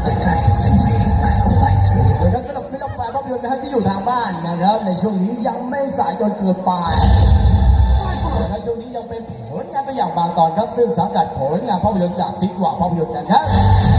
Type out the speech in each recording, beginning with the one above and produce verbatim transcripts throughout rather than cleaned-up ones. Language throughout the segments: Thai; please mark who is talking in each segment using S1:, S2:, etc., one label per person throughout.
S1: นะครับสำหรับมิตรแฟนภาพยนตร์นะฮะที่อยู่ทางบ้านนะครับในช่วงนี้ยังไม่สายจนเกินไปในช่วงนี้ยังเป็นผลงานตัวอย่างบางตอนครับซึ่งสังกัดผลงานภาพยนตร์จากทิกว่าภาพยนตร์กันครับ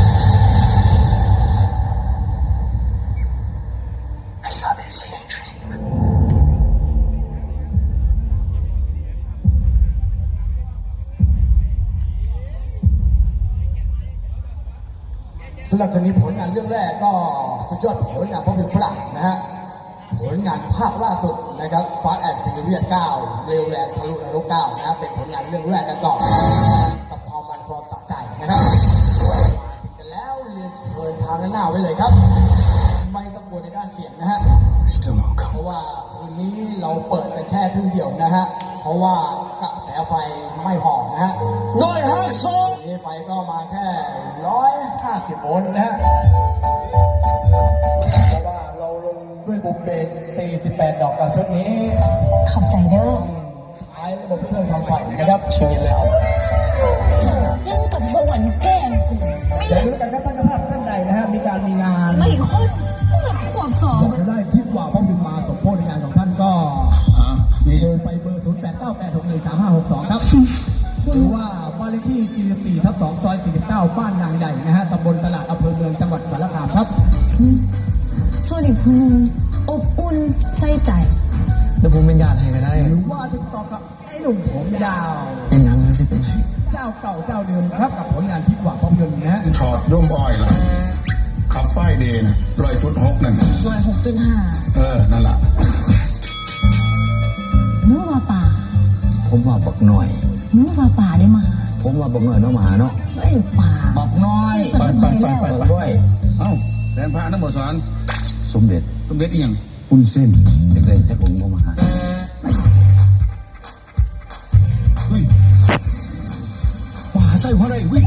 S1: สำหรับคนนี้ผลงานเรื่องแรกก็สุดยอดผลงานภาพยนตร์ฝรั่งนะฮะผลงานภาคล่าสุดนะครับ Fast and Furious เก้าเร็วแรงทะลุนรกเก้านะเป็นผลงานเรื่องแรกกันก่อนกับความมันความสะใจนะครับมาถึงกันแล้วเรียนเชิญทางด้านหน้าไว้เลยครับไม่ต้องกลัวในด้านเสียงนะฮะเพราะว่าคืนนี้เราเปิดกันแค่ครึ่งเดียวนะฮะเพราะว่ากระแสไฟไม่พอนะฮะร้อยห้าสิบนี่ไฟก็มาแค่ร้อยห้าสิบโวลต์นะฮะเพราะว่าเราลงด้วยบุมเบสสี่สิบแปดดอกกับชุดนี้
S2: ขอบใจเด้อ
S1: ใช้ระบบเครื่องทำไฟนะครับชีวิตแล้ว
S2: ยังกับสวรรค์แก้มกู
S1: อย่าลืมกันนะท่านภาพท่านใดนะฮะมีการมีงาน
S2: ไม่ค่อยขวบสอง
S1: บอกได้ที่ว่าพ่อบินมาสมโภชในงานของท่านก็มีโทรไปเบอร์ศูนย์แปดเก้าแปดหกหนึ่งสามห้าหกสองครับหรือว่าบ้านเลขที่สี่สิบสี่ทับสองซอยสี่สิบเก้าบ้านนางใหญ่นะฮะตำบลตลาดอำเภอเมืองจังหวัดสารคามครับ
S2: ส่วนอีกคนนึงอบอุ่นใส่ใจ
S3: เดี๋ยวผมเป็นญาติให้ก็ได้
S1: หรือว่าติดต่อกับไอ้หนุ่มผมยาว
S3: เป็นยังไงสิเป็นไง
S1: เจ้าเก่าเจ้าเดิมครับกับผลงานที่ว่าภาพยนตร์นะฮะ
S4: ถอดร่มอ้อยละขับไฟเดนร้อยจุดหกนั่น
S2: ร้อยหกจุดห้า
S4: เออนั่นแหละ
S2: นึกว่าป่า
S3: ผมว่าบักหน่อย
S2: นึกว่าป่าได้มา
S3: ผมว่าบักหน่อยน้องหมาเนาะ
S2: ไม่ป่า
S3: บักน้อย
S4: ไปไปไปไป
S3: ด้วย
S4: เอ้าแดนพระน้ำบ่สอน
S3: สมเด็จ
S4: สมเด็จอีหยัง
S3: คุณเส้นเด็กๆจะคงมาหา
S4: เฮ้ยว่าใส่หัวอะไรวิ่ง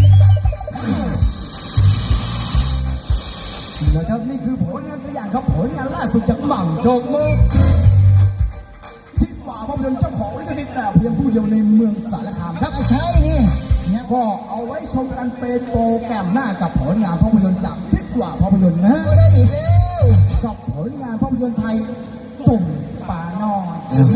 S1: นะครับนี่คือผลงานตัวอย่างครับผลงานล่าสุดจากหม่ำโจกมือที่ว่าภาพยนตร์เจ้าของลิขสิทธิ์แต่เพียงผู้เดียวในเมืองสารคามครับ
S3: ใช่นี่
S1: เนี่ยก็เอาไว้ชมกันเป็นโปรแกรมหน้ากับผลงานภาพยนตร์จากที่ว่าภาพยนตร์นะ
S3: ก็ได้อีกแล้ว
S1: กับผลงานภาพยนตร์ไทยส่งป่าน้อย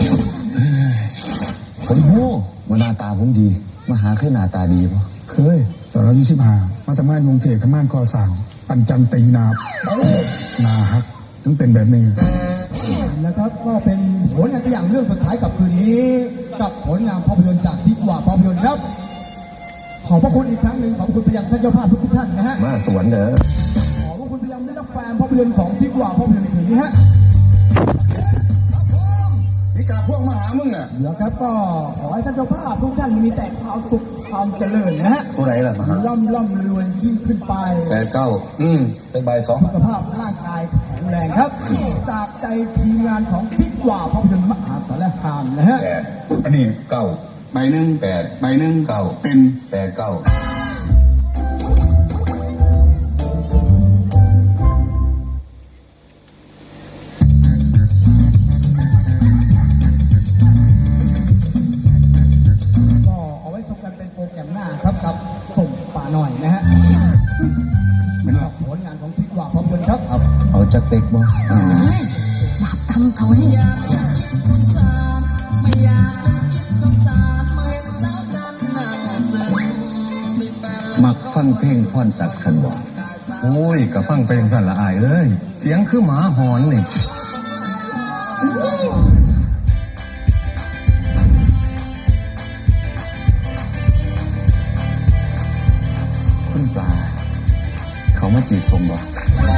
S3: ผมโหมาหน้าตาผมดีมาหาขึ้นหน้าตาดีป่ะ
S4: เคยตอนเรายี่สิบห้ามาทำงานกรุงเทพทำงานก่อสร้างปันจันตีนาบนาฮักถึงเป็นแบบนี้
S1: นะครับก็เป็นผลงานตัวอย่างเรื่องสุดท้ายกับคืนนี้กับผลงานภาพยนตร์จากที่ว่าภาพยนตร์ครับขอบพระคุณอีกครั้งหนึ่งขอบคุณไปยังท่านเจ้าภาพทุกท่านนะฮะ
S3: มาสวนเด้อ
S1: ขอบพระคุณไปยังมิตรแฟนภาพยนตร์ของที่ว่าภาพยนตร์ในคืนนี้ฮะ
S4: สีกาพวกมาหามึงอ่ะ
S1: เดี๋ยวครับก็ขอให้ท่านเจ้าภาพทุกท่านมีแต่ความสุขความเจริญนะฮะ
S3: ตัวไหนล่ะมา
S1: ล่ำล่ำรวยยิ่งขึ้นไป
S3: แปดเก้าอืมเป็นใบสอง
S1: สุขภาพร่างกายแข็งแรงครับจากใจทีมงานของทิศว่าภาพยนตร์มหาสารคามนะฮะ
S4: แปดอันนี้
S3: เก้า
S4: ใบหนึ่ง
S3: แปด
S4: ใบหนึ่ง
S3: เก้า
S4: เป็น
S3: แปดเก้า
S1: โปรแกรมหน้าครับกับส่งป่าหน่อยนะฮะเป็นผลงานของทิศว่าภาพยนตร์ครับ
S3: เอาจากเป็กบ่
S2: อ่าบาปทำเขาเนี่ย
S3: มักฟังเพลงพรศักดิ์สันบ่
S5: โอ้ยกับฟังเพลงสั่นละอายเอ้ยเสียงคือหมาหอนนี่
S3: คุณปลาเขามาจีบสมบ่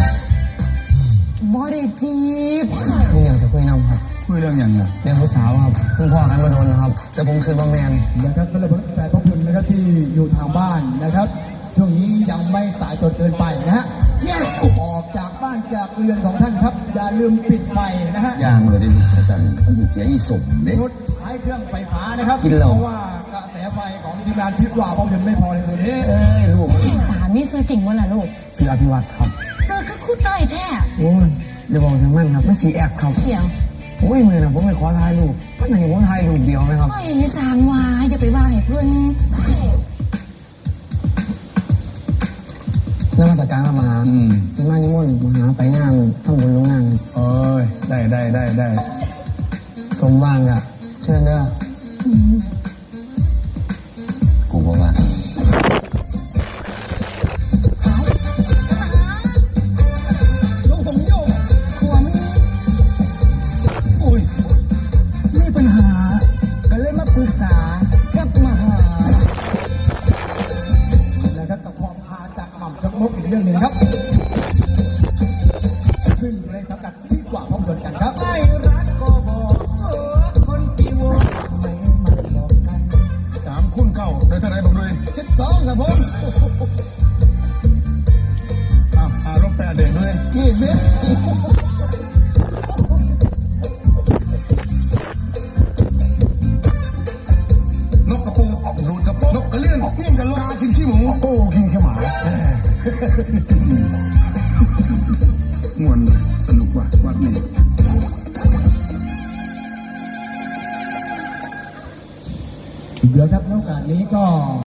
S2: บ่ได้จีบ
S3: มีอย่างจะคุยนำครับ
S4: คุยเรื่องอย่างเงี้ย
S3: เรื่องผู้สาวครับเพิ่งพ่อกันมาโดนนะครับแต่ผมคืนว่าแมน
S1: นะครับสำหรับแฟนภาพยนตร์นะครับที่อยู่ทางบ้านนะครับช่วงนี้ยังไม่สายจนเกินไปนะฮะแยกออกจากบ้านจากเรือนของท่านครับอย่าลืมปิดไฟนะฮะ
S3: ย่างเลยดิอาจารย์มันอยู่เจ๊อีสมเด็ก
S1: รถใช้เครื่องไฟฟ้านะครับเพราะว่ากระแสไฟของทีมงานทิศว่าภาพยนตร์ไม่พอในคืนนี้
S3: เอ้ยลูก
S2: ตามีซื้อจริงวะล่ะลูก
S3: ซื้ออภิวัตครับ
S2: ซื้อก็คู่เตยแท้
S3: โอ้ยเดี๋ยวบอกทางมันครับไม่สีแอกครับ
S2: เสียง
S3: โอ้ยมือนะผมไม่ขอถ่ายรูปก็ไหนผมถ่ายรูปเดียวไหมครับ
S2: ไม่สางวาอย่าไปว่าให้เพื่อน
S6: นมัสการพระมหา
S4: อืม
S6: ที่มานิมนต์มหาไปงานทำบุญลงงาน
S4: โอ้ยได้ได้ได้ได้
S6: สมว่างอะเชิญเด้อ
S3: กูบอกว่า
S6: ลงตรงโยกขวามีอุ้ยมีปัญหาก็เลยมาปรึกษากับมหา
S1: นะครับกับความพาจากหม่ำจกมกอีกเรื่องหนึ่งครับ ซึ่งอยู่ในสังกัดที่กว่าภาพยนตร์กันครับ
S6: ไอ้รักก็บอกเออคนปีโวไม่มาบอกกัน
S4: สามคุณเก้าโดยเท่าไหรบอกเลย
S6: สิบสองครับผม
S4: อ้าวอารมณ์แปดเด่นด้วย
S6: ยี่สิบ
S5: นกกระปูรูดกระโปงนกกระเลื่อนเลี้ยงกระลากินขี้หมู
S4: โอ้กินแค่หมาม่วนเลยสนุกว่ะวัดนี้
S1: เดี๋ยวครับในโอกาสนี้ก็